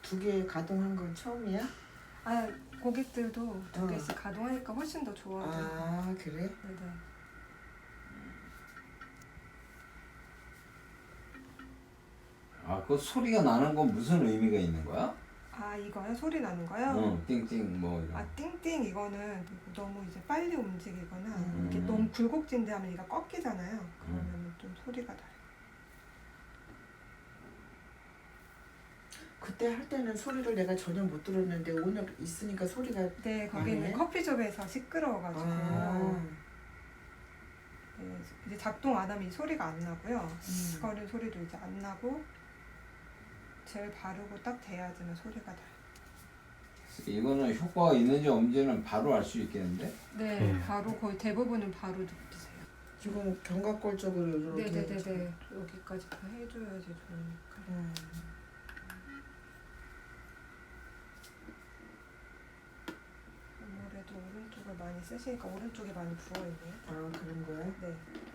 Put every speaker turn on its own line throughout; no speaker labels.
두 개 가동한 건 처음이야?
아, 고객들도 두
어.
개씩 가동하니까 훨씬 더 좋아하죠.
아 그래?
네네.
아, 그 소리가 나는 건 무슨 의미가 있는 거야?
아, 이거요? 소리 나는 거요?
응, 띵띵 뭐 이런.
아, 띵띵 이거는 너무 이제 빨리 움직이거나
음.
이렇게 너무 굴곡진대하면 얘가 꺾이잖아요. 그러면 좀 소리가 나요.
그때 할 때는 소리를 내가 전혀 못 들었는데 오늘 있으니까 소리가
네, 거기는
나네?
커피숍에서 시끄러워가지고
아,
네, 이제 작동 안 하면 이 소리가 안 나고요.
음.
거리는 소리도 이제 안 나고 젤 바르고 딱 대야지만 소리가 나요.
이거는 효과가 있는지 없는지는 바로 알 수 있겠는데?
네, 바로 거의 대부분은 바로 느끼세요.
지금 견갑골 쪽으로 이렇게
네네네네. 여기까지 다 해줘야지 좋으니까. 아무래도 오른쪽을 많이 쓰시니까 오른쪽이 많이 부어있네요.
아 그런 거야?
네.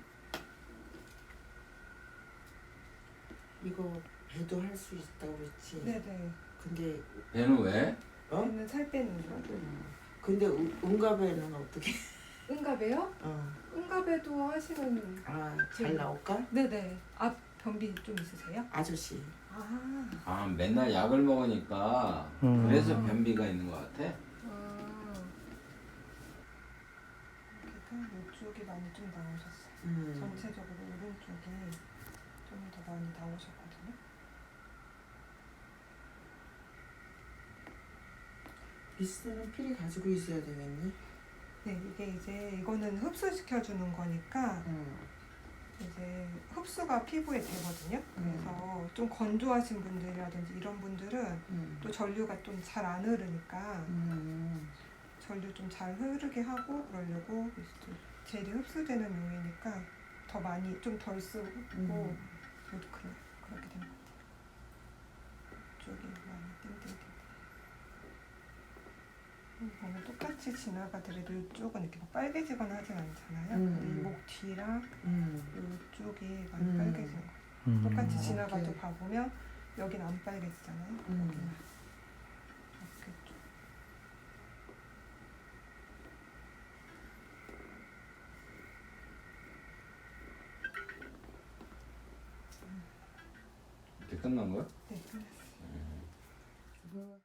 이거 배도 할 수 있다고 그랬지?
네네.
근데
배는 왜?
얘는 살 빼는 거.
근데 응가배는 어떻게?
응가배요?
어.
응가배도 하시면
잘 나올까?
네네. 앞 변비 좀 있으세요?
아저씨.
아.
아, 맨날 약을 먹으니까 그래서 변비가 있는 것 같아.
여기가 이쪽이 많이 좀 나오셨어요. 전체적으로 오른쪽이 좀 더 많이 나오셨거든요.
미스는 필히 가지고 있어야 되겠니?
네, 이게 이제 이거는 흡수시켜주는 거니까 이제 흡수가 피부에 되거든요. 그래서 좀 건조하신 분들이라든지 이런 분들은 또 전류가 좀 잘 안 흐르니까 전류 좀 잘 흐르게 하고 그러려고 젤이 흡수되는 용이니까 더 많이 좀 덜 쓰고 저도 그렇게 되는 것 같아요. 이쪽이 많이 띵띵띵. 보면 똑같이 지나가더라도 이쪽은 이렇게 막 빨개지거나 하진 않잖아요. 근데 이 목 뒤랑 이쪽이 많이 빨개지는 거예요. 똑같이 지나가도
오케이.
봐보면 여긴 안 빨개지잖아요. 여기만 이렇게 좀.
이렇게 끝난 거야?
네, 끝났어요.
뭐